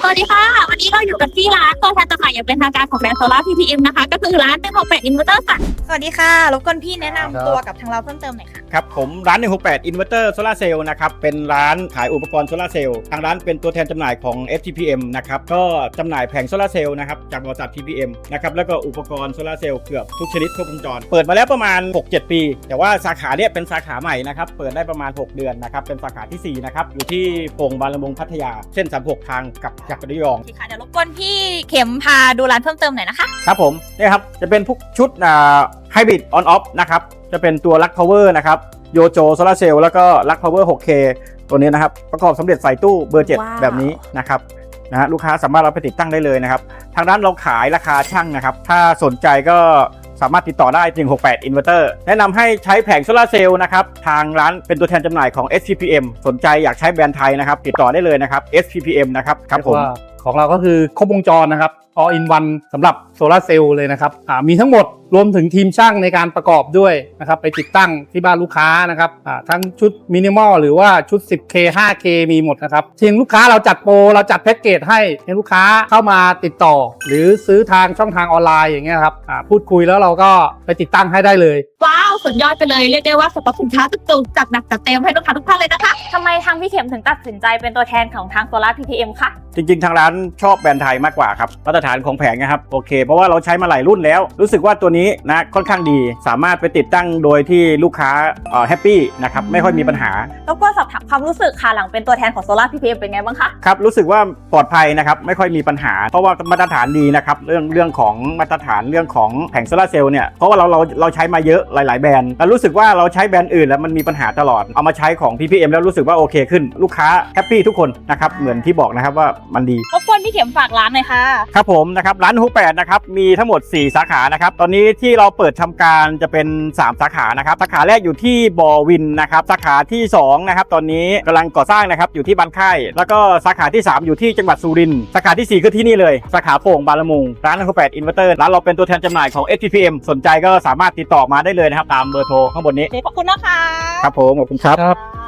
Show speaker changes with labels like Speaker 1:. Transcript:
Speaker 1: สวัสดีค่ะวันนี้เราอยู่กันที่ร้านตัวแทนจำหน่ายอย่างเป็นทางการของแบรนด์โซล่า PPM นะคะก็คือร้าน168 Inverter ค่ะ
Speaker 2: สวัสดีค่ะรบกวนพี่แนะนำตัวกับทางเราเพิ่มเติมหน่อยค่ะ
Speaker 3: ครับผมร้าน168 Inverter Solar Cell นะครับเป็นร้านขายอุปกรณ์โซลาร์เซลล์ทางร้านเป็นตัวแทนจำหน่ายของ STPM นะครับก็จำหน่ายแผงโซลาร์เซลล์นะครับจากบริษัท TPM นะครับแล้วก็อุปกรณ์โซลาร์เซลล์เกือบทุกชนิดครบวงจรเปิดมาแล้วประมาณ 6-7 ปี แต่ว่าสาขาเนี้ยเป็นสาขาใหม่นะครับเปิดได้ประมาณ6 เดือนนะครับเป็นสาขาที่4นะครับอยู่ที่โป่งบางละมุงพัทยาเส้น36ทางกับจักรยอง
Speaker 2: ค่ะเดี๋ยวรบกวนพี่เข็มพาดูร้านเพิ่มเติมหน่อยนะคะ
Speaker 3: ครับผมนี่ครับจะเป็นพวกชุดHybrid On Off นะครับจะเป็นตัวลัก Power นะครับโยโจโซลาร์เซลล์แล้วก็ลัก Power 6K ตัวนี้นะครับประกอบสำเร็จใส่ตู้เบอร์ 7 แบบนี้นะครับลูกค้าสามารถเอาไปติดตั้งได้เลยนะครับทางร้านเราขายราคาช่างนะครับถ้าสนใจก็สามารถติดต่อได้168 Inverter แนะนำให้ใช้แผงโซลาร์เซลล์นะครับทางร้านเป็นตัวแทนจำหน่ายของ STPM สนใจอยากใช้แบรนด์ไทยนะครับติดต่อได้เลยนะครับ STPM นะครับครับผม
Speaker 4: ของเราก็คือครบวงจรนะครับ all in one สำหรับโซลาร์เซลล์เลยนะครับมีทั้งหมดรวมถึงทีมช่างในการประกอบด้วยนะครับไปติดตั้งที่บ้านลูกค้านะครับทั้งชุดมินิมอลหรือว่าชุด 10K 5K มีหมดนะครับทีมลูกค้าเราจัดโปรเราจัดแพ็กเกจให้ลูกค้าเข้ามาติดต่อหรือซื้อทางช่องทางออนไลน์อย่างเงี้ยครับพูดคุยแล้วเราก็ไปติดตั้งให้ได้เลย
Speaker 1: ว้าวสุดยอดไปเลยเรียกได้ว่าสรรพสินค้าตุกๆจัดหนักจัดเต็มให้ลูกค้าทุกท่านเลยนะคะ
Speaker 2: ทำไมทางพี่เข็มถึงตัดสินใจเป็นตัวแทนของทางโซล่า PPM คะ
Speaker 3: จริงๆทางร้านชอบแบรนด์ไทยมากกว่าครับมาตรฐานของแผงนะครับโอเคเพราะว่าเราใช้มาหลายรุ่นแล้วรู้สึกว่าตัวนี้นะค่อนข้างดีสามารถไปติดตั้งโดยที่ลูกค้าแฮปปี้นะครับไม่ค่อยมีปัญหา
Speaker 2: แล้วก็สอบถามความรู้สึกค่ะหลังเป็นตัวแทนของโซล่า PPM เป็นไงบ้างคะ
Speaker 3: ครับรู้สึกว่าปลอดภัยนะครับไม่ค่อยมีปัญหาเพราะว่ามาตรฐานดีนะครับเรื่องของมาตรฐานเรื่องของแผงโซลาร์เซลล์เนี่ยเพราะว่าเราใช้มาเยอะหลายๆแบรนด์แล้วรู้สึกว่าเราใช้แบรนด์อื่นแล้วมันมีปัญหาตลอดเอามาใช้ของ PPM แล้วรู้สึกว่าโอเคขึ้นลูกค้าแฮปปี้ทุกคนนะครับเหมือนที่บอกนะครับว่ามันดี
Speaker 2: รบกวนพี่เข็มฝากร้านหน่อยค่ะ
Speaker 3: ครับผมนะครับร้าน68นะครับมีทั้งหมด4สาขานะครับตอนนี้ที่เราเปิดทำการจะเป็น3สาขานะครับสาขาแรกอยู่ที่บ่อวินนะครับสาขาที่2นะครับตอนนี้กำลังก่อสร้างนะครับอยู่ที่บ้านค่ายแล้วก็สาขาที่3อยู่ที่จังหวัดสุรินทร์สาขาที่4คือที่นี่เลยสาขาโป่งบางละมุงร้าน168 Inverter ร้านเราเป็นตัวแทนจำหน่ายของ STPM สนใจก็สามารถติดต่อมาได้เลยนะครับตามเบอร์โทรข้างบนนี้
Speaker 2: ขอบคุณนะคะ
Speaker 3: ครับผมขอบคุณครับ